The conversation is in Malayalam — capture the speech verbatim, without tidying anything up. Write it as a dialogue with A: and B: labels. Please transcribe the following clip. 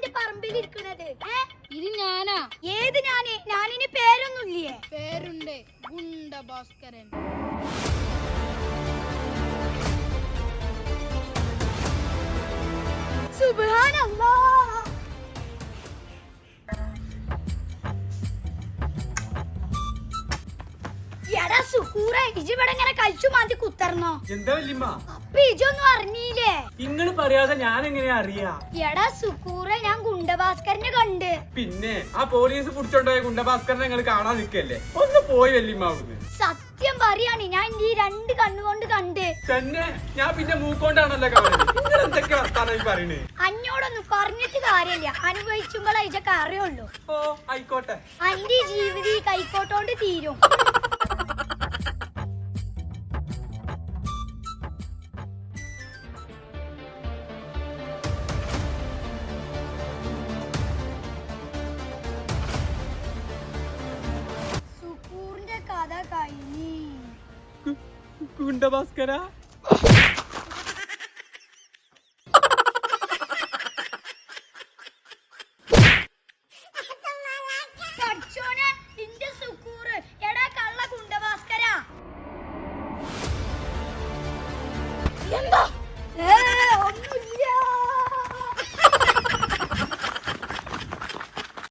A: എന്റെ പറമ്പിൽ ഇരിക്കണത്?
B: ഇത് ഞാനാ.
A: ഏത് ഞാന്? ഞാനിന് പേരൊന്നുമില്ലേ?
B: പേരുണ്ട്, ഗുണ്ട ഭാസ്കരൻ.
A: സുബ്ഹാനല്ലാഹ്. എടാ സുക്കൂറെ, ഇജ് ഇവിടെ ഇങ്ങനെ കഴിച്ചു മാറ്റി കുത്തർന്നോ?
C: എന്താ വല്യമ്മ?
A: അപ്പൊ ഇജൊന്നും അറിഞ്ഞില്ലേ?
C: നിങ്ങള് പറയാതെ ഞാൻ എങ്ങനെയാ അറിയാ?
A: എടാ സുക്കൂറെ, ഞാൻ ഗുണ്ടഭാസ്കരനെ കണ്ട്.
C: പിന്നെ ആ പോലീസ് പിടിച്ചോണ്ടോയ ഗുണ്ടഭാസ്കരനെ നിങ്ങൾ കാണാൻ നിൽക്കല്ലേ? ഒന്ന് പോയി വല്യമ്മ അവിടുന്ന്.
A: സത്യം പറയാണ്, ഞാൻ ഈ രണ്ട് കണ്ണുകൊണ്ട് കണ്ട്.
C: തന്നെ ഞാൻ പിന്നെ മൂക്കോണ്ടാണല്ലോ കാണുന്നത്. നിങ്ങൾ എന്തൊക്കെ വർത്താനം പറയണേ?
A: അന്നോടൊന്നും പറഞ്ഞിട്ട് കാര്യമില്ല, അനുഭവിച്ചുമ്പോഴേ ഇതൊക്കെ അറിയുള്ളൂ.
C: ഓ ആയിക്കോട്ടെ.
A: അന്റെ ജീവിതം ഈ കൈക്കോട്ടോണ്ട് തീരും. സുക്കൂറിന്റെ കഥ കഴിഞ്ഞി.
C: ഗുണ്ടഭാസ്കര